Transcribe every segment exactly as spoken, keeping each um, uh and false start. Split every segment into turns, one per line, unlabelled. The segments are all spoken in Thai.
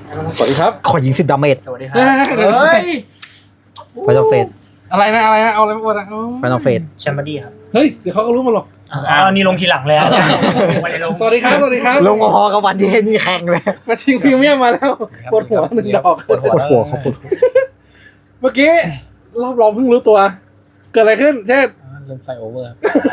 สวัสดีครับ
ขอยิงสิบดาเมจ
สวัสดีครับ
เฮ้ย
ไฟนอลเฟส
อะไรนะอะไรนะเอาอะไรมาอวดอ่ะ
ไฟนอลเฟส
แชมเบอร์ดี้ครับ
เฮ้ยเดี๋ยวเขาก็รู้มาหรอก
อ้าวนี่ลงทีหลังแล้วไม่ได้ลง
สวัสดีครับสวัสดีครับ
ลงพอๆกับวันที่นี่แข่งเลย
มาชิงพรีเมียมมาแล้วปวดหัวหนึ่งดอก
ปวดหัวปวดหัวเขาปวดหัว
เมื่อกี้รอบรองเพิ่งรู้ตัวเกิดอะไรขึ้นเช่น
เริ่มไฟโอเวอร์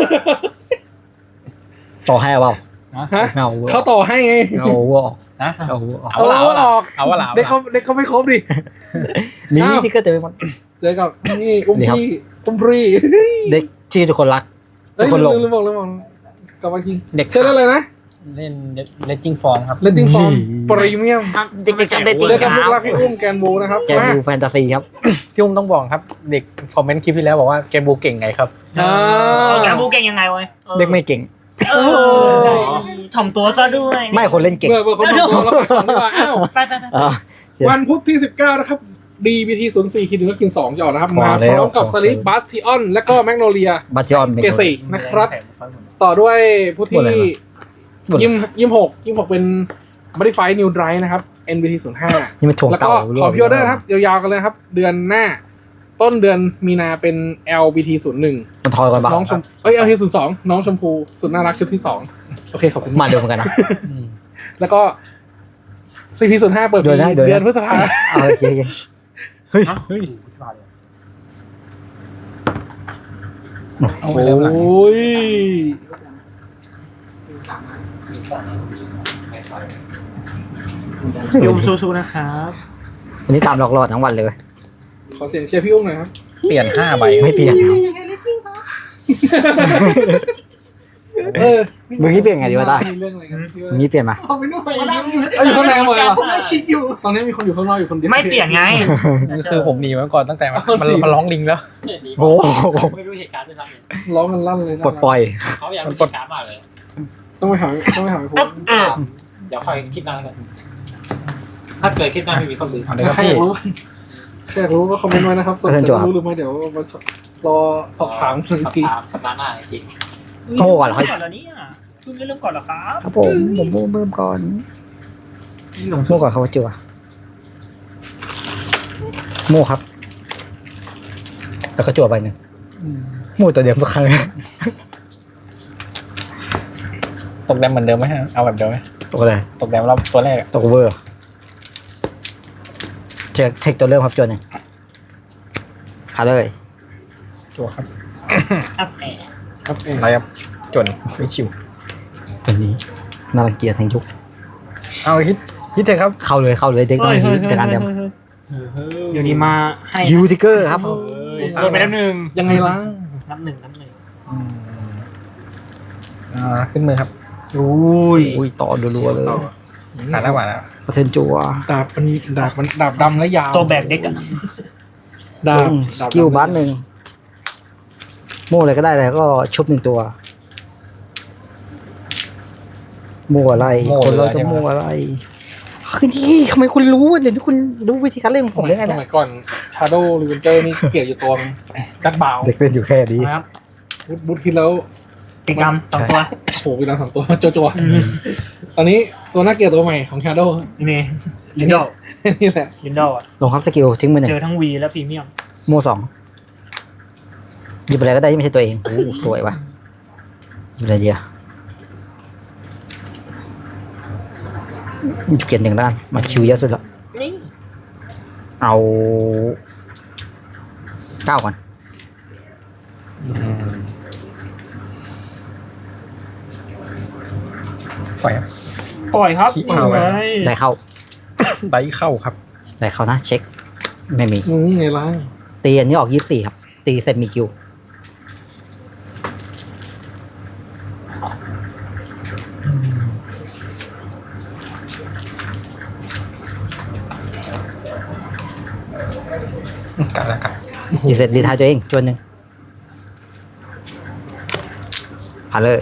ต่อให้เปล่า
ฮะ
เงา
เขาต่อให้ไง
เงาวัวออก
นะ
เงาวัวออก
เอาเอาออก
เอาว่าหลา
เด็กเขาเด็กเขาไม่ครบดิ
มีที่ก็เต็มไปหมด
เจอกับนี่อุ้มพี่อุ้มพี่
เด็กที่ทุกคนรักทุ
เอ้
ก
ย
คนหลง
ลืมบอกลืมบอกกลับมาจริง
เด็ก
เชื่อได้เลยนะ
เล่นเลนจิ้งฟอร์มครับ
เลตติ้งฟอร์มพรีเมียม
เด็กๆจำได้จริง
เจอกับลูกรักพี่อุ้มแกนบูนะครับ
แกดูแฟนตาซีครับ
ที่อุ้มต้องบอกครับเด็กคอมเมนต์คลิปที่แล้วบอกว่าเกมบูเก่งไงครับ
อ่า
แกบูเก่งยังไงวะ
เด็กไม่เก่ง
เออถ่อมตัวซะด้วย
ไม่คนเล่นเก่ง
เมื่อเมื่อคนทำตัวแล้วไปก่อนดีกว่าอ้าว
ไปไปไป
อ่า
วันพุธที่สิบเก้านะครับ ดี บี ที ศูนย์ สี่ คิดหนึ่งก็คิดสองจะออกนะครับ มา
มา
พ
แล้ว
ร้อมกับสลิปบัสทิออนและก็แมกโนเลีย
บัตยอน
เกสี่นะครับ ต่อด้วยผู้ที่ยิมยิมหกยิมหกเป็น Modify New Drive นะครับ เอ็น บี ที ศูนย์ ห้า
นี่มันถ่วง
แล้ว
เต่า
ก็ขอพิออเดอร์นะครับยาวๆกันเลยครับ เดือนหน้า ต้นเดือนมีนาเป็น แอล บี ที ศูนย์ หนึ่ง
มันทอยก่อนบ้าง
น้องชมเอ้ย แอล บี ที ศูนย์ สอง น้องชมพูสุดน่ารักชุดที่สองโอเคขอบคุณ
มาเร็วเหมือนกันนะ
แล้วก็ ซี พี ศูนย์ ห้า เปิดปี
เดือนหน้าเดือนหน้า
เดือนพฤษภา
เอาโอเคโอเคเฮ้ย
เฮ้ย
โอ้ย
พี่อุ้มสู้ๆนะครับ
วันนี้ตามหลอกหลอดทั้งวันเลยเว้ย
ขอเสียงเชียร์พี่อุ้มหน่อยครับ
เปลี่ยนห้าใบ
ไม่เปลี่ยน
เออ
มึงนี่เปลี่ยนไงดีวะได้
มีเรื่องอะไรกันที่ว่า
มึงนี่เปลี่ยนมา
เอาอยู่ข้างในหมดเลยเหรอตอนนี้มีคนอยู่ข้างนอกอยู่คนเดียว
ไม่เปลี่ยนไง
คือผมหนีมาก่อนตั้งแต่มันมันร้องลิงแล้ว
โอ้โห
ไม่รู้เหตุการณ์ด้วยซ้ำ
ร้องกันลั่นเลยนะ
ปลดปล่อย
เขาอยากรู้เหตุการณ์มากเลย
ต้องไปหาต้องไปหาไอ้พวก
เดี๋ยวค่อยคิดนานกันถ้าเกิดคิดนานไม่มีข้อมูล
เอาเลยครับ
ใครอ
พี่
ยากรู้ใครอยากรู้ก็คอมเมนต์ไว้นะครับส่วนจะรู้หรือไม่เดี๋ยวมารอสอบถามทัน
สัป
ที
ดาห์สัปดาห์หน้าจริง
โง่ก่อนเหรอ
ก่อนแล้วเนี่ยคุณไม่เริ่มก่อนเหรอครับ
ครับผมผมโม่เบิ่มก่อนโม่ก่อนเขาว่าจั่วโม่ครับ แล้วก็จั่วไปหนึ่งโม่ตัวเดียวทุกครั้ง
ตกแดมเหมือนเดิมไหมฮะเอาแบบเดิมไหม
ตกอะไร
ตกแดมรอบตัวแรกอะ
ตกเวอร์เช็คเทคตัวเริ่มครับจั่วหนึ่งหาเลย
จั่วครับ
อัพแอร์
ครับเอง
อะไรครับจนไม่ชิว
ตัวนี้น่ารังเกียจทั้งยุค
เอาฮิตฮิตเถอะครับ
เข้าเลยเข้าเลยเด็กต้องฮิวแต่การเดิม
เดี๋ยวนี้มาให้
ฮิวทิกเกอร์ครับ
โดนไปแล้วหนึ่ง
ยังไงล่ะ
นับหนึ่งนับหนึ่ง
อ่าขึ้นมือครับ
อุ้ย
อุ้ยต่อรัวๆเลย
หาหน้าหวานแล้ว
เปอร์เซ็นต์จั่ว
ดาบมันดาบมันดาบดำและยาว
ตัวแบกเด็กอะ
ดาบ
สกิลบัสหนึ่งโม่อะไรก็ได้เลยก็ชุบหนึ่งตัวโม่อะไรคนเราจะโม่อะไรคือที่ทำไมคุณรู้เดี๋ยวนี้คุณรู้วิธีการเล่นของ
ส
ผม
มั
ได้
ย
ไง
ส
เนี่ย
มัยก่อนชาโดว์รีเวนเจอร์นี่เกลียดอยู่ตัวนึงกัดบ่าว
เด็กเล่นอยู่แค่นี้
นะครับ
บูทบูทคิดแล้ว
ติดดำสองตัว
โอ้โหมีเราสองตัวโจโจตอนนี้ตัวน่าเกลียดตัวใหม่ของชาโดว์
นี่ลินดอล
นี่แหละ
ลินดอลอะ
ลงครับสกิลทิ้งมือหนึ่ง
เจอทั้งวีและพรีเมียม
โม่สองหยิบอะไรก็ได้ที่ไม่ใช่ตัวเองโอ้สวยว่ะหยิบอะไรดีอะหยิบเกียรติหนึ่งด้านมาชิวเยอะสุดแล้ว
นี่
เอาเก้าก่อน
ไฟครับ
ปล่อยครับ
ขี้เมาไว้
ได้เข้า
ไดเข้าครับ
ได้เข้านะเช็ค ไม่มี
อืมไงล่ะ
ตีอันนี้ออกยี่สิบสี่ครับ ตีเสร็จมีกิว
กันแล้วกัน
จีเสร็จรีทายตัวเองจวนหนึ่งผ่านเลย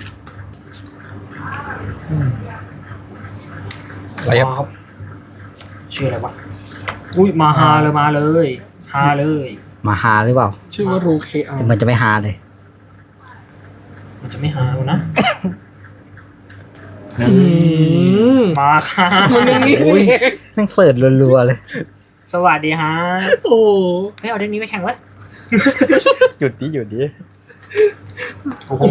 อะไรครับ
ชื่ออะไรวะอุ้ยมาฮาเลยมาเลยฮาเลย
มาหาหรือเปล่า
ชื่อว่ารูเคอา
แต่มันจะไม่หาเลย
มันจะไม่ฮาแล้วนะ
อืม
มาค่ะ
มันอย่างนี้
โอ้ย
นี่เอง
แม่งเปิดรัวๆเลย
สวัสดีฮะ
โอ้
เฮ้ยเอาเด็กนี้ไปแข่งวะ
หยุดดิหยุดดิ
โอ้โห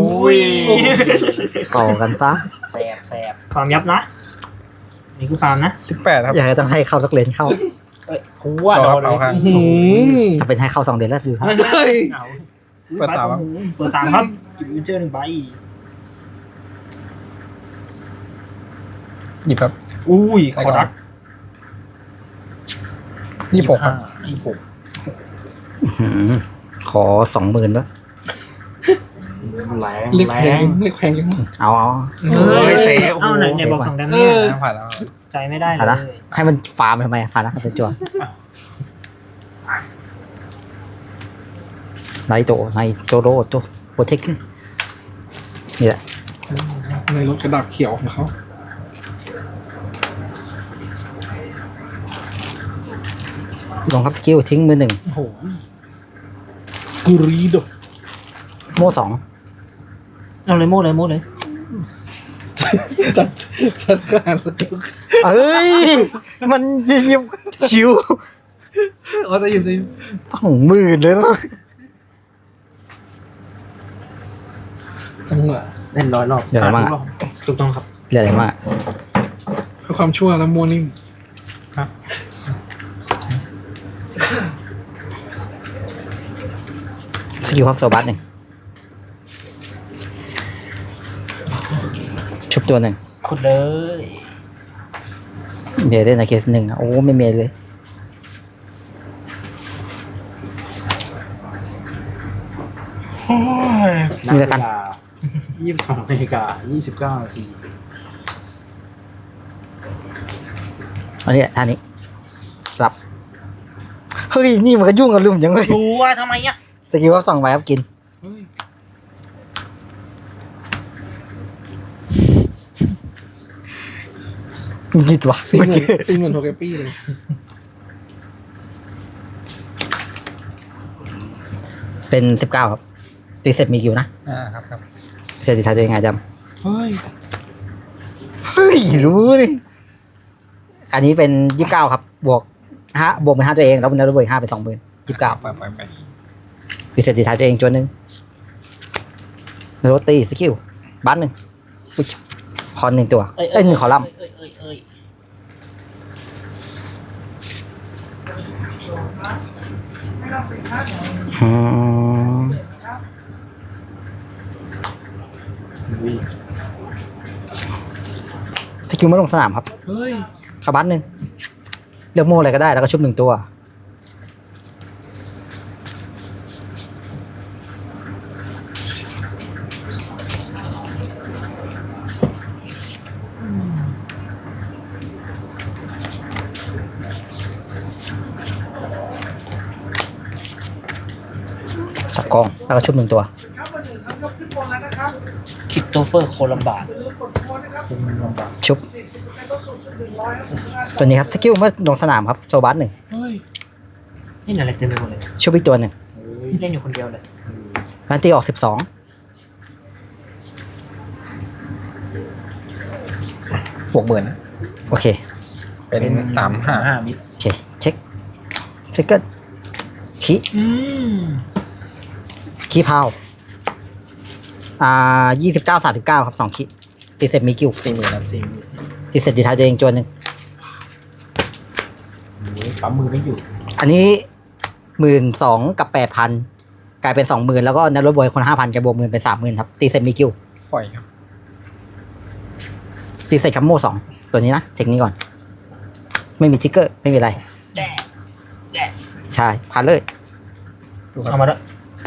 ต่อกันซะ
แสบแสบ
ฟาร์มยับนะ นี่คือฟาร์มนะ
สิบแปดครับ
อยากให้ต้องให้เข้าสักเลนเข้า
หัวโดนเล
เอา
ย
ครับ
อื้อหือ
จะเป็นให้เข้าสองเลนแล้วดูครับ
เฮ้ย
เอา
เปิดสามครับ
เปิดสามครับหยิบวินเจอร์หนึ่งใบ
หยิบครับ
อุ้ยคอรัส
ยี่สิบหกครับ
ยี่สิบหก
หืมขอสองหมื่นด้วย
แรง
เรียก
แร
แพง
ง
เรียกแพงจัง
เอาเอา
เฮ้ย
เซ
เซ
ฟ
ฟเอาไหนไหนบอกสองแดมเนี่ย
เออ
ผ่านแล้ว
ใจไม่ได้
ผ่าน
เล
นะ
ย
ให้มันฟาร์มทำไมผ่านนะเป็นจวนไนโตไนโจโรโตโปรเทคนี่แหละ
ในรถกระดาษเขียวของเขา
ลงครับสกิลทิ้งมือหนึ่ง
โอ้โหกูรีโด
โม่สอง
เอาเลยโม่เลยโม่เลย
จัดจัดการรถตุ๊ก
เอ้ย มันยิบชิว
อ๋อจะอยู่จะอยู่
สองหมื่นเลยนะ
จังหวะ
เล่นร้อยรอบ
เดี๋ยวอะไรมาก
ถูกต้องครับ
เรียกอะไรมาก
เพื่อความชั่วและมัวนิ่ม
สกิลครับโซบัสหนึ่งชุบตัวหนึ่ง
ขุดเลย
เมียได้ในเคสหนึ่งนะโอ้ไม่เมียเลย มีแล้วกัน
ยี่สิบสองนาฬิกายี่สิบเก้านาที
อันนี้ท่านี้รับเฮ้ยนี่มันก็ยุ่งกับลุมยังไง
ดูว่าทำไมอ่ะ
สกิลครับสองใบครับกิน
เฮ้ย
หยิดวะ
สี่ห
เมื่อ
มื่น
กี้
สี่หมื่นโทเกปี้เลย
เป็นสิบเก้าครับตีเสร็จมีกิวนะ
อ่าครับครับ
เสร็จดีท้ายตัวยังไงจ
เฮ้ย
ำเฮ้ยรู้นี่อันนี้เป็นยี่สิบเก้าครับ บวกห้าบวกเป็นห้าตัวเองแล้วเป็นแล้วบวกอีกห้าเป็นสองหมื่นยี่สิบเก้า
ไปไปไป
ตีเสร็จดีท้ายตัวเองจวนหนึ่งโรตีสกิลบัตหนึ่งอุ๊ยคอนหนึ่งตัวเอ้ยหนึ่งคอลัมน์
เอ้ยเอ้ยเอ้ย
อืมสกิลไม่ลงสนามครับ
เฮ้ย
คาบัตหนึ่งเลือกโม่อะไรก็ได้แล้วก็ชุบหนึ่งตัว จับกองแล้วก็ชุบหนึ่งตัว
คิดโตเฟอร์โคลัมบาร์
ชุบ ตัวนี้ครับสกิลเมื่อลงสนามครับโซบัสหนึ่ง
เฮ้ย
นี่อะไรเต็มไปหมดเลย
ชุบอีกตัวหนึ่ง
เล่นอยู่คนเดียวเลย
รันตีออกสิบสอง
บวกหมื่นนะ
โอเค
เป็นสามห้า
ห้ามิตร
โอเค เช็คเช็คเกิลคี
อืม
คีพาวอ่ายี่สิบเก้าสามสิบเก้าครับสองคีตีเสร็จมีกิว
สี่หมื่นนะ
สี่
ตีเสร็จดีท้ายตัวเองจวนหนึ่ง
ปั๊มมือไม่อยู่
อันนี้หมื่นสองกับแปดพันกลายเป็นสองหมื่นแล้วก็นัดรถบอยคนห้าพันจะบวกหมื่นเป็นสามหมื่นครับ ตีเสร็จมีกิว
ปล่อยครับ
ตีเสร็จคัมโม่สองตัวนี้นะเทคนี้ก่อน ไม่มีทิกเกอร์ ไม่มีอะไร
แย่แย่
ใช่ผ่านเลย
ดูครั
เอา
บ
มาด้วย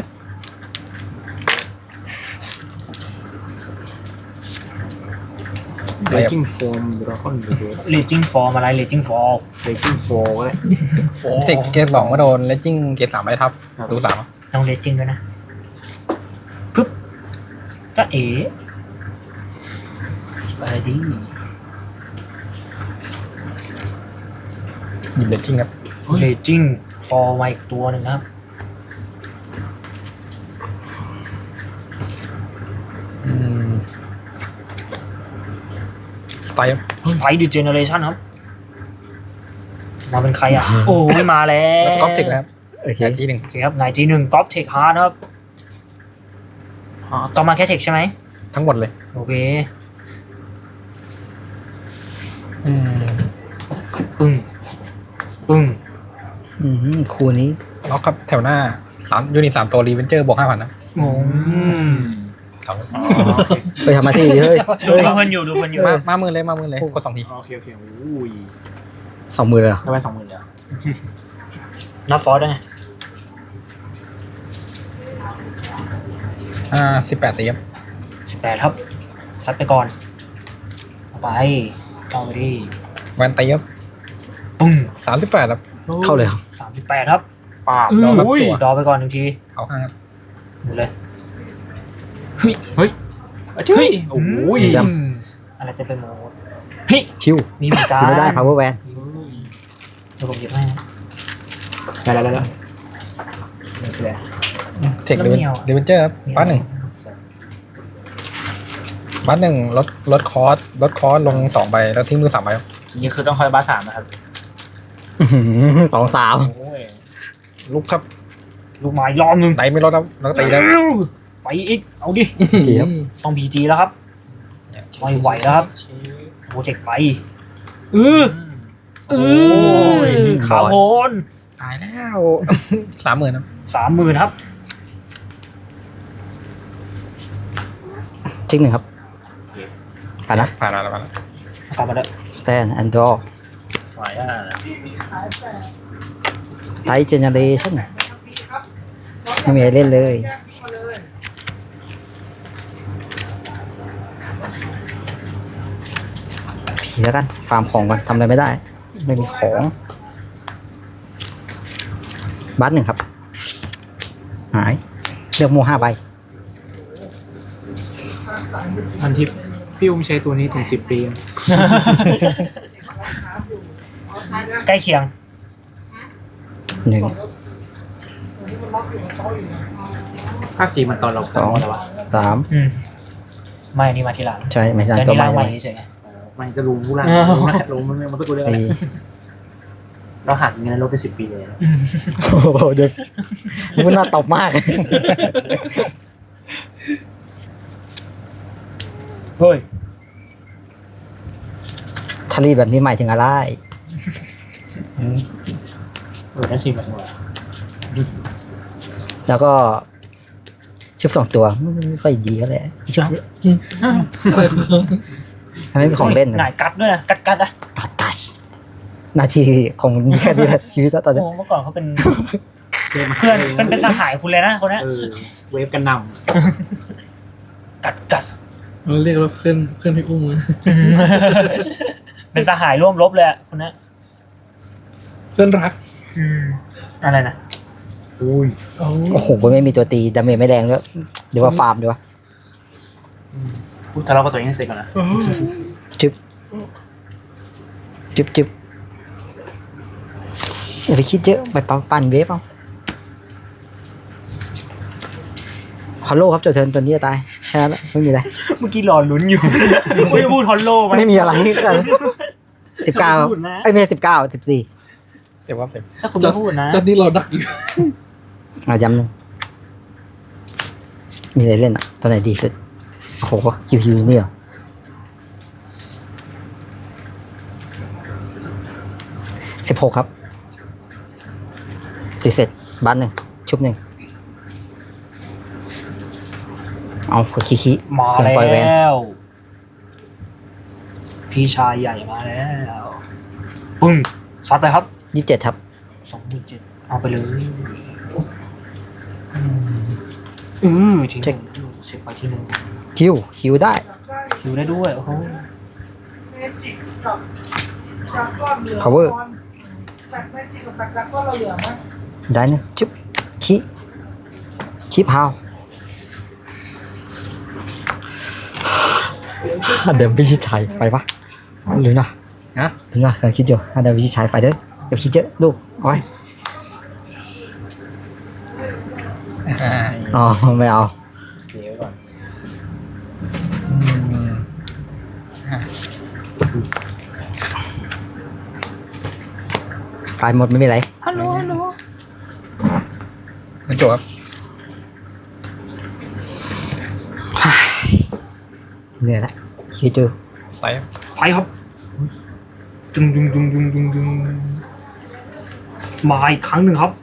เลจิ้งโฟมดราก้อนเดือด
เลจิ้งฟอร์มอะไรเลจิ้งฟอร์ม
เลจิ้งโฟมก็ได้
เทคเกตสองก็โดนแล้วจิ้งเกตสามไปทับดูสามอ่ะ
ต้องเลจิ้งด้วยนะปึ๊บจะเอ๋ไปดิ
หยิบเลยจิ้งครับ
เลจิ้งฟอร์มาอีกตัวหนึ่งนะครับ
อืมไตล์
สไปดิเจเนอเรชั่นครับมาเป็นใครอ่ะ โอ้ยมาแล้
แล้ว
ว
ก๊อปเทคนะครับ
โอเค
แค่ทีหนึ่ง
โอเคครับไงจีหนึ่งก๊อปเทคฮาร์ดครับอ๋อก๊อปมาแค่เทคใช่ไหม
ทั้งหมดเลย
โอเค
อืม
ปึ้งปึ้ง
อืมคู่นี้
ล็อกครับแถวหน้าสามยูนิตสามตัวรีเวนเจอร์บวกห้าพันนะ
งง
ครับ
ไปทำมาที่เฮ้ย
ดู
เฮ้ย
เพื่อนอยู่ดูเพื่อนอยู่
มามามือเลยมามือเลยกดสองที
โอเคโอเคอุ้ย
สองมือเลยเหรอ
ได้ไปสองหมื่นแล้ว
นับฟอร์ดได้ไง
อ่าสิบแปดตีครับ
สิบแปดครับซัดไปก่อนเอาไปเอาไปดิ
แวนตีครับ
ปึ้ง
สามสิบแปดครับ
เข้าเลยเหรอ
สามสิบแปดครับ
ป้าบ
ดอกครับ
อุ้ย
ตัว
ดอไปก่อนหนึ่งที
เอาห้าครับ
หมดเลย
เฮ้ยเฮ้ยเฮ้ยโอ้ย
ด
อะไรจะเป็นโมดเฮ้ย
คิว
มีเหมือนกัน
คิวไม่ได้ power van
เดี๋ยวผมหยิบให้
ได้แล้วได้แล้ว
เทครีเวนเจอร์ครับบ้านหนึ่งบ้านหนึ่งลดลดคอร์สลดคอร์สลงสองใบแล้วทิ้งมือสามใบครับ
นี่คือต้องคอยบ้าสามนะครับ
อื้อหือสองสาม
โอ้ย
ลุกครับ
ลูกไม้รอบหนึ่ง
ไหนไม่ลดครับแล้วก็ตีแล้ว
ไปอีก เอาดิ
จีครับ
ต้องพีจีแล้วครับ ไม่ไหวแล้วครับ โปรเจกต์ไปเออเออขาวโพน
ตายแล้ว สามหมื่นครับ
สามหมื่นครับ
ชิกหนึ่งครับผ่านนะ
ผ่านมาแล้วผ่านแล้ว
กลับมาแล้ว
stand and draw
ไหวอ่ะ
Type generation ไม่มีอะไรเล่นเลยผีแล้วกัน ฟาร์มของก่อนทำอะไรไม่ได้ ไม่มีของ บัตรหนึ่งครับ หาย เลือกโมห้าใบ
พันทิปพี่อุ้มใช้ตัวนี้ถึงสิบปี
ใกล้เคียง
หนึ่ง
ภาคจีมันตอนเรา
สอง
อะไรวะ
สาม
อืมไม่นี่มาทีหลัง
ใช่ไม่ใช่
แต่
ตัว
นี่
ใหม่
ร่างใหม่
ใช่ไหม
เฉย
มันจะรู้ผู้ล่างรู้มันมันก็ตัวเรื่องอะไร
สี่
เราหักเงินลดไปสิบปีเลย
โอ้โหเดี๋ยวมันน่าตบมาก
เฮ้ย
ชาลีแบบนี้หมายถึงอะไร
เออนั่นสิแบบว่า
แล้วก็ชุบสองตัวไม่ค่อยดีก็เลยชุบทำไมมีของเล่น
ห
นะ
น่ายกัดด้วยนะกัดกัดอ่ะ
ตัดตัชนาทีของแค่นี้แหละชีวิตตอนนี้
โอ้เมื่อก่อนเขาเป็นเพื่อนเป็นเป็นสหายคุณเลยนะคนนี้
เออเวฟกันน
กัดกัส
เราเรียกว่าเพื่อนเพื่อนพี่อุ้มนะ
เป็นสหายร่วมรบเลยอะคนนี้
เพื่อนรัก
อืมอะไรนะ
ำอุ้ย
เอา
โอ้โหไม่มีตัวตีดาเมจไม่แรงด้วยหรือว่าฟาร์มดีวะ
พูดทะเลาะกับตัวเองให้เสร็จก่อนนะ
จึ๊บจึ๊บจึ๊บอย่าไปคิดเยอะไปปั่นปั่นเวฟเอาฮอลโลครับโจเทิร์นตัวนี้จะตายแค่นั้นแหละไม่มีอะไร
เมื่อกี้รอลุ้นอยู่ ไม่พูดฮอลโลไหม
ไม่มีอะไรกันสิบเก้าไอ้ยไม่ใช่สิบเก้าสิบสี่
เสียว่าเสีย
ถ้าคุณไม่พูดนะ
ตอนนี้เราดักอยู่
มาย้ำหนึ่งมีอะไรเล่นอ่ะตัวไหนดีสุดโอ้โหคิวคิวนี่เหรอสิบหกครับตีเสร็จบัตหนึ่งชุบหนึ่งเอาขอขี้ขี้
มา
เครื่องปล่อยแวน
แล้ว พี่ชายใหญ่มาแล้วปึ้งซัดไปครับ
ยี่สิบเจ็ดครับ
สองหมื่นเจ็ดเอาไปเลยอือทีหนึ่งเช็คไปที่หนึ่ง
คิวคิวได้
คิวได้ด้วยโอ้โห
power ได้หนึงชุบขี้ขี้พาวฮันเดมพิชิตชัยไปปะหรือนะ
ฮะ
หรือนะกำลังคิดอยู่ฮันเดมพิชิตชัยไปเด้ออย่าคิดเยอะลูกเอาไว้
อ่า
อ๋อไม่เอา
เดี๋ยวก่อน
อืมอ่ะ
ตายหมดไม่มีไร
ฮัลโหลฮัลโหล
มันจบครับ
เหนื่อยละคิดดู
ไป
ไปครับดึงดึงดึงดึงดึงดึงมาอีกครั้งหนึ่งครับ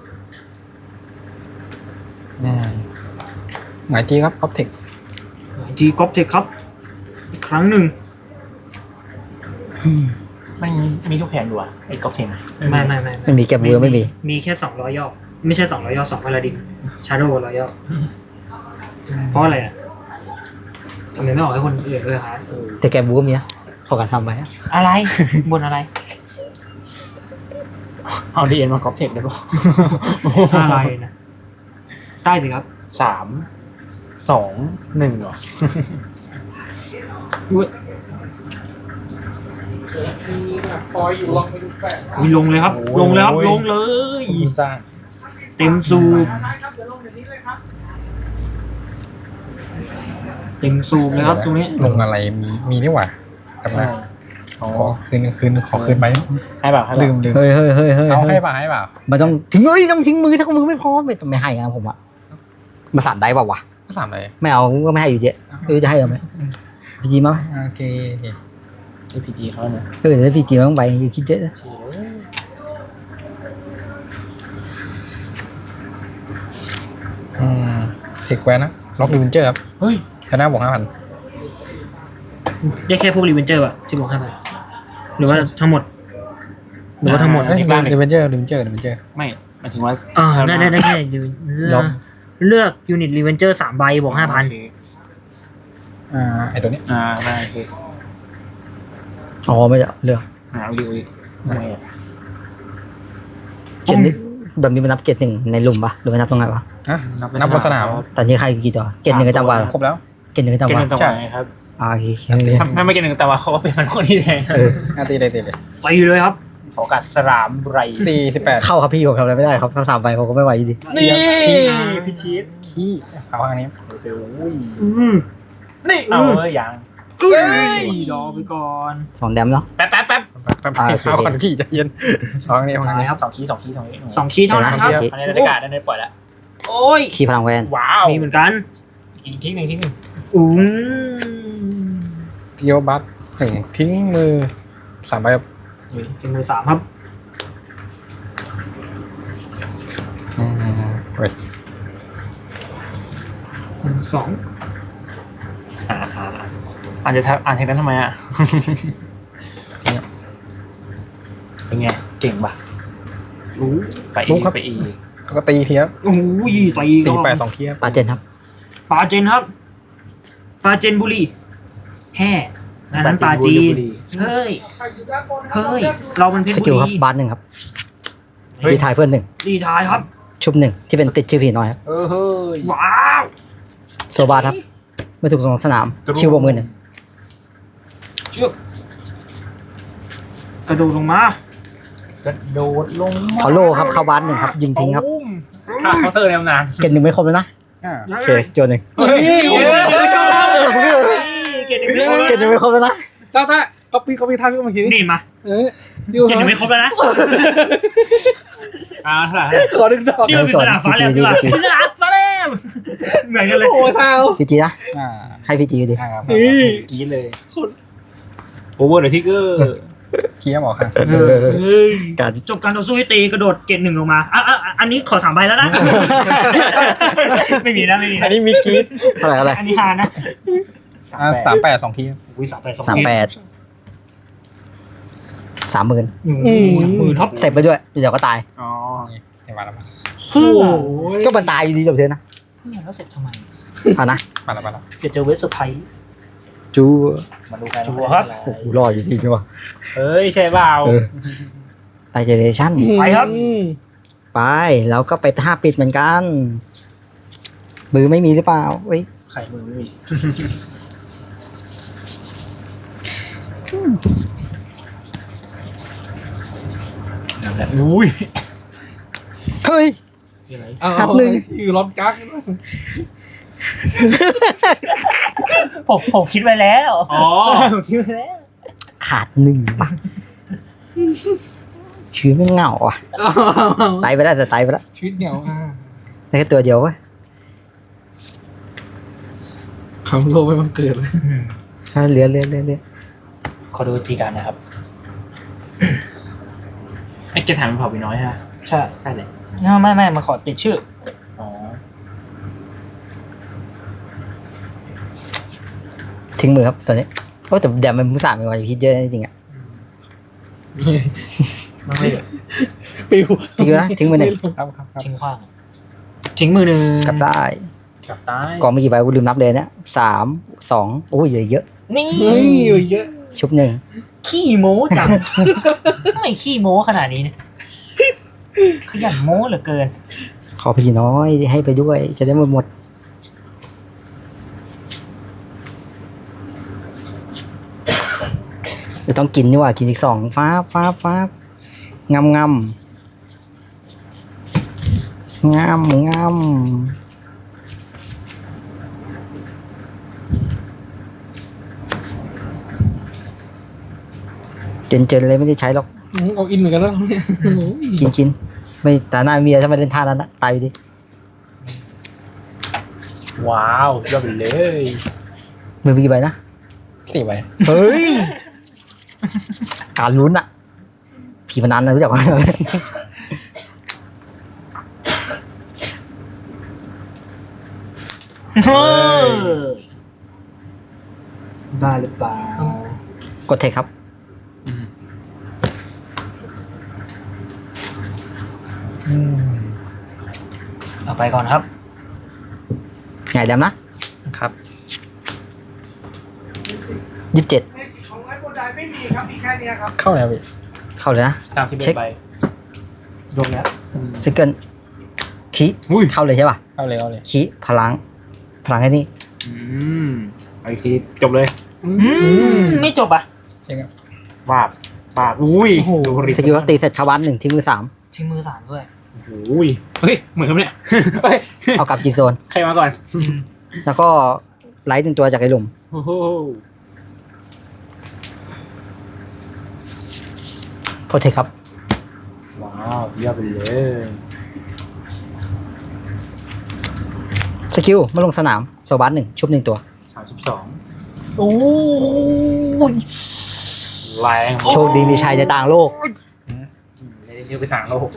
อืมหมายจีครับออฟเทค
จีกอล์ฟเทคครับ อีกครั้งหนึ่ง
ไม่มีลูกแข่งด้วยไอ้ก๊อฟเทน
ไม่ไม่ไม่
ไม่มีแกบเวอร์ไม่มี
มีแค่สองร้อยย่อไม่ใช่สองร้อยย่อสองพาราดินชาร์โดร้อยย่อเพราะอะไรอ่ะทำไมไม่ออกให้คนอื่นเลยฮะ
แต่แกบเวอร์มีนะขอการทำไปอะ
อะไร บนอะไร
เอาดีเอ็นมาก๊อฟเทนได้ปะ
อะไรนะได้สิครับ
สามสองหนึ่งเหรอ
อุ๊ย
คอยอยู่ลองไปดูแปะ
อุ๊ยลงเลยครับ ลงเลยครับลงเลย
สร้าง
เต็มสูบ
ได้ครับเดี๋ยวลงเดี๋ยวนี้เลยครับ
เต็มสูบเลยครับตรงนี้
ลงอะไรมีมีนี่หว่ากลับมา
อ๋อ
ขอคืนคืนขอคืนไป
ให้แบบให้แบ
ลื
บ
มลืม
เฮ้ยเฮ้ยเฮ้ยเฮ้ย
เอา
เฮ้
ให้
ย
ป่ะให้ป่ะ
มันต้องทิ้งเอ้ยต้องทิ้งมือถ้ามือไม่พร้อมไม่ต้องไม่ให้นะผมอะมาสั่นได้เปล่าวะ
ก็ถามเลย
ไม่เอาก็ไม่ให้อยู่เจ๊ไม่รู้จะให้เอาไหมพีจีมั้ย
โอเค
ไอพีจีเขาเนี่ย
เออถ้าพีจีมันต้องไปอยู่คิดเยอะนะ
อืมเทคแวนนะล็อกดิวินเจอร์ครับ
เฮ้ย
ชนะบวกห้าพัน
ได้แค่พวกรีเวนเจอร์อะที่บอกให้ไปหรือว่าทั้งหมด หรือว่าทั้งหมด
เอ้ยดิวินเจอร์ดิวินเจอร์ดิวินเจอร์
ไม่หมายถึงว่า
อ่าได้ได้ได้แค่ยูนิตเลือกเลือกยูนิตรีเวนเจอร์สามใบบวกห้าพัน
โอเค
อ่าไอตัวนี้
อ่าได้โอเค
อ๋อไม่ได้เลือก
หาวิวอีกทำไมอ่ะ
เกตนี้แบบนี้มันนับเกตหนึ่งในหลุมปะหรือมันนับตรงไหนปะ
ฮะนับบนสนาม
ตอนนี้ใครกี่ตัวเกตหนึ่งก็จำว่า
ครบแล้ว
เกตหนึ่งก็จำ
เกณ
ว่า
ฑ์ต่างๆครับ
อ่าโอเค
ถ้าถ้าไม่เกณฑ์หนึ่งแต่ว่าเขาก็เป็นมันคนที่แทง
เออ
อ่ะตีเลยตีเลย
ไปเลยครับ
ขอกัดสลามไร
สี่สิบแปด
เข้าครับพี่ผมทำอะไรไม่ได้ครับถ้าสามไปผมก็ไม่ไหวอยู่ดี
นี่
พิชิต
ขี้เอาอันนี้
โอเคอุ้ย
อือ
นี่เอาเอ้ยยัง
รอไปก่อน
สองแดมเนาะ
แป๊บแป๊บแป๊บ
แป๊บ
อ่าโอเค
เอาคนขี้ใจเย็นเอาอันนี้เอาอันนี้
สองคีย์สองคีย์สองคีย์
สองคีย์เท่านั้นครับ
โอเค
อันนี้บรรยากาศได้ปล่อยแล้ว
โอ้ย
ขี้พลังแวน
ว้าว
มีเหมือนกัน
อีกทิ้งหนึ่งทิ้งหนึ่ง
อุ้ง
เทียวบัตหนึ่งทิ้งมือสามใบครับ
เป็นมือสามครับ
อ่าเว้ย
หนึ่งสอง
อ่าอ่านจะอ่านเทคนั้นทำไมอ่ะเป็นไงเก่งป่ะ
รู้
ไปอีกไปอีก
แล้วก็ตีเทียบ
โอ้ยตี
สี่แปด
ก็
สองเทียบ
ปาเจนครับ
ปลาเจนครับปลาเจนบุรีแห่อันนั้นปลาจีนเฮ้ยเฮ้ยเรามันเพช
ส
รบุ
กิลครับ
รี
บาร์หนึ่งครับดีทายเพื่อนหนึ่ง
ดีทายครับ
ชุบหนึ่งที่เป็นติดชื่อผีน้อยครับ
เออเฮ้ย
ว้าว
โซบาร์ครับไม่ถูกส่งสนามชิวบวกมือหนึ่ง
เชือกกระโดดลงมาก
ระโดดลง
ขอโลครับเข้าบาร์หนึ่งครับยิงทิ้งครับ
ถ้าเคาน์เตอร์แนวนาน
เกตหนึ่งไม่ครบแล้วนะ
อ่า
โอเคโจนหนึ่ง
เฮ้ย
เฮ้ยเฮ้ยชอบเกตหนึ่งไม่ครบ
เกตหนึ่งไม่ครบแล้วนะ
ตาตาเอาปีเขาปีทันก็มาคิด
นี่มา
เออ
เกตหนึ่งไม่ครบแล้วนะ
อ่าเท่าไหร่
ขอดึงดอก
นี่มันเป็นสนามฟ้าแลบดีกว่าสนามฟ้าแลบเหมือนกันเลย
โอ้เท้า
พีจีนะ
อ่า
ให้พีจีอยู่ดี
อ่าครับ
กี้เลยโอเวอร์เดอะทิกเกอร์
เทียบบอกครับ
เฮ้ย
การ
จบการต่อสู้ให้ตีกระโดดเกตหนึ่งลงมาอ่ะอ่ะอันนี้ขอสามใบแล้วนะ ไม่มีนะไม่มี
อันนี้มีกรีด
เท่าไหร่เท่าไหร่
อันนี้ฮานะ
อ่าสามแปดสองเทียบ
อุ้ยสามแปดสอง
สามแปดสามหมื่น
สามหมื่นท็อป
เสร็จไปด้วยเดี๋ยวก็ตาย
อ๋อ
นี่มาแล้วมา
โอ้โห
ก็มันตายอยู่ดีจบเทนนะ
แล้วเสร็จทำไม
เอานะ
มาแล้วมาแล้ว
เดี๋ยวเจอเวสเซอร์ไพรส์
จู
มาดูกัน
จั่วครับ
โอ้โหรออยู่ทีใช่ปะ
เฮ้ยใช่เปล่า
เออไตเจเนชั่น
ไปครับ
ไปแล้วก็ไปท่าปิดเหมือนกัน มือไม่มีหรือเปล่าเว้ย
ไข่มือไม่มีนั่นแหละอุ้ย
เฮ้ย
เอา
นับหนึ่ง
อยู่ล็อบกั๊ก
ผมผมคิดไว้แล้ว
อ๋อ
ผมคิดไว้แล้ว
ขาดหนึ่งปะชีวิตไม่เหงาอ่ะไตไปแล้วแต่ไตไปแล้ว
ชีวิตเหงาอ่ะ
ได้แค่ตัวเดียวเว้ย
คำโลกไม่บังเกิดเลย
ถ้าเหลือเหลือเหลือเหลือ
ขอดูจีการนะครับ
ไอ้แกถามเป็นเผ่าไปน้อยฮะ
ใช่
ใช่เลย
ไม่ไม่มาขอติดชื่อ
อ๋อ
ทิ้งมือครับตอนนี้โอ้แต่แดมมันมือสามเป็นวันคิดเยอะจริงๆอ่ะ
ไม่ไม่
ปิว
ทิ้งนะทิ้งมือหนึ่ง
ครับครับครับ
ทิ้งขว้างทิ้งมือหนึ่ง
กลับได้
กลับใต้
กองมีกี่ใบกูลืมนับเลยเนี่ยสามสองโอ้ยเยอะ
นี่
เฮ้ยเยอะ
ๆชุบหนึ่ง
ขี้โม้จัง ไม่ขี้โม้ขนาดนี้เนี่ยขยันโม้เหลือเกิน
ขอพี่น้อยให้ไปด้วยจะได้หมดหมดจะต้องกินนี่หว่ากินอีกสองฟ้าฟ้าฟ้างำงำงำงำเจนเจนเลยไม่ได้ใช้หรอก
อืมเอาอินเหมือนกันแล้วเนี่ยโอ้ย
กินกินไม่แต่หน้าเมียถ้าไม่เล่นท่านั้นนะตายไปดิ
ว้าวยอดไปเลย
มือมีกี่ใบนะ
สี่ใบ
เฮ้ย การลุ้นอะผีพนันนะรู้จักไหม
บ้าหรือเปล่าก
ดเทคครับ
เอาไปก่อนครับ
ไงแดมนะครับ ยี่สิบเจ็ด
ของไอ้โกดายไม่มีครับมีแค่เนี้ยครับ
เข้าแล้วพี่
เข้าเลยนะ
สามสิบเอ็
เช็
ด
ค
ใบรวมแล้ว
ซิกเกิลคี
อุ้ย
เข้าเลยใช่ป่ะ
เข้าเลยเข้าเลย
คีพลัง พลังให้นี่
อืมไอ้ทีจบเลย
อืมไม่จบอ่ะ
ใช่ครับ
บาบปากอุ้ยดูริ
สกิลตีเสร็จชาวบ้านหนึ่งที่มือสาม
ทิ้งมือสามด้วย
อุ้ยเฮ้ยเหมือนกันเนี่ยเฮ้ย
เอากลับจีโซน
ใครมาก่อน
แล้วก็ไลท์หนึ่งตัวจากไอ้หลุม
โอ้โห
โปรเทคครับ
ว้าวยอดไปเลย
สกิลมาลงสนามโซบัสหนึ่งชุบหนึ่งตัว
สามสิบสอง
โอ้ย
แรง
โชคดีมีชัยในต่างโลก
เรียกไปทางโลก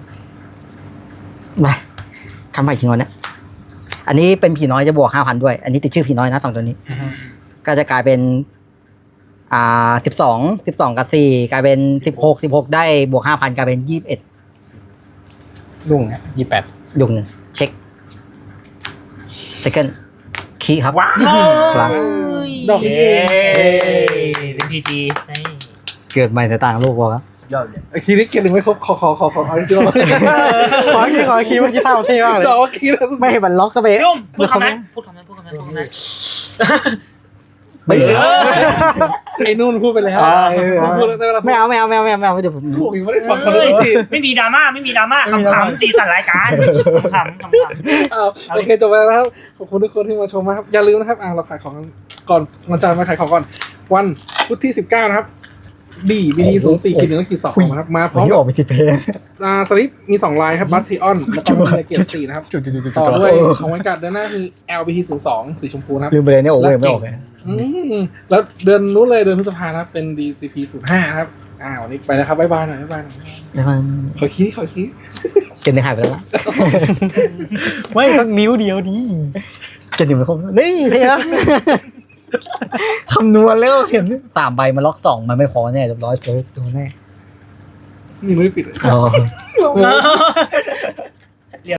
ไปคำใหม่จริงวันเนี้ยอันนี้เป็นผีน้อยจะบวกห้าพันด้วย อันนี้ติดชื่อผีน้อยนะสองตัวนี้ ก็จะกลายเป็น อ่าสิบสองสิบสองกับสี่กลายเป็นสิบหกสิบหกได้บวกห้าพันกลายเป็นยี่สิบเอ็ด
รุ่งฮะยี่แปด
ยุงหนึ่งเช็คเซคันด์คีย์ครับ
ว้าว
พลัง
ดอกนี้เอง
เป็นพีจี
เกิดใหม่ในต่างโลกวะ
ยอดเลย
ไอ้ทีนี้เกมหนึ่งไม่ครบขอขอขอขอเอาอีกทีละ
ขอคีขอคีเมื่อกี้ท่าเท่มากเลย
ดอกเมื่อกี้แล้ว
ไม่ให้มันล็อกก็ไป
ยุ่มพูดคำนั้นพูดคำนั้นพูดคำนั้นพูดคำนั้น
ไม่เหลือ
ไอ้นู่นพูดไปแล้ว
อ่าเออ
พูดแล้วได้เวลา
ไม่เอาไม่เอาไม่เอาไม่เอาไม่เอาเดี๋ยวผม
พูดอีกไม่ได้ฟังคนละที
ไม่มีดราม่าไม่มีดราม่าขำๆสีสันรายการขำๆขำ
อ้าวโอเคจบไปแล้วนะครับขอบคุณทุกคนที่มาชมนะครับอย่าลืมนะครับอ่าเราขายของก่อนวันจันทร์มาขายของก่อนวันพุธที่สิบเก้านะครับดีบีทีศูนย์สี่ขีดหนึ่งขีดสองนะครับมาพร้อม
ที่
กั
อบ อกไปติดเพลง
อ่าสลิปมีสองลายครับบัสซิออนแล้วก็มีในเกียร์สี่นะครับ
จุดจุดจุดจุด
ต่อด้วยของวันการ์ดเดือนหน้าคือ แอล บี ที ศูนย์สองสีชมพูนะครับ
ลืมไปเลยเนี่ยโอ้ยไม่ออกเลย
อืมแล้วเดือนนู้นเลยเดือนพฤษภานะครับเป็น ดี ซี พี ศูนย์ห้านะครับอ่าวันนี้ไปแล้วครับบ๊ายบายหน่อยบ๊ายบายหน่อย
แล้วมัน
ขอคิดขอคิด
เกณฑ์หนึ่งหายไปแล้ววะ
ไม่ต้องนิ้วเดียวดี
เกณฑ์หนึ่งไม่ครบนี่เท่ะคำนวณแล้วเห็นสามใบมาล็อกสองมันไม่พอแน่เรียบร้อยเจอตัวแน่
นี่ไม่ได้ปิดเลย
อ๋อ
ๆ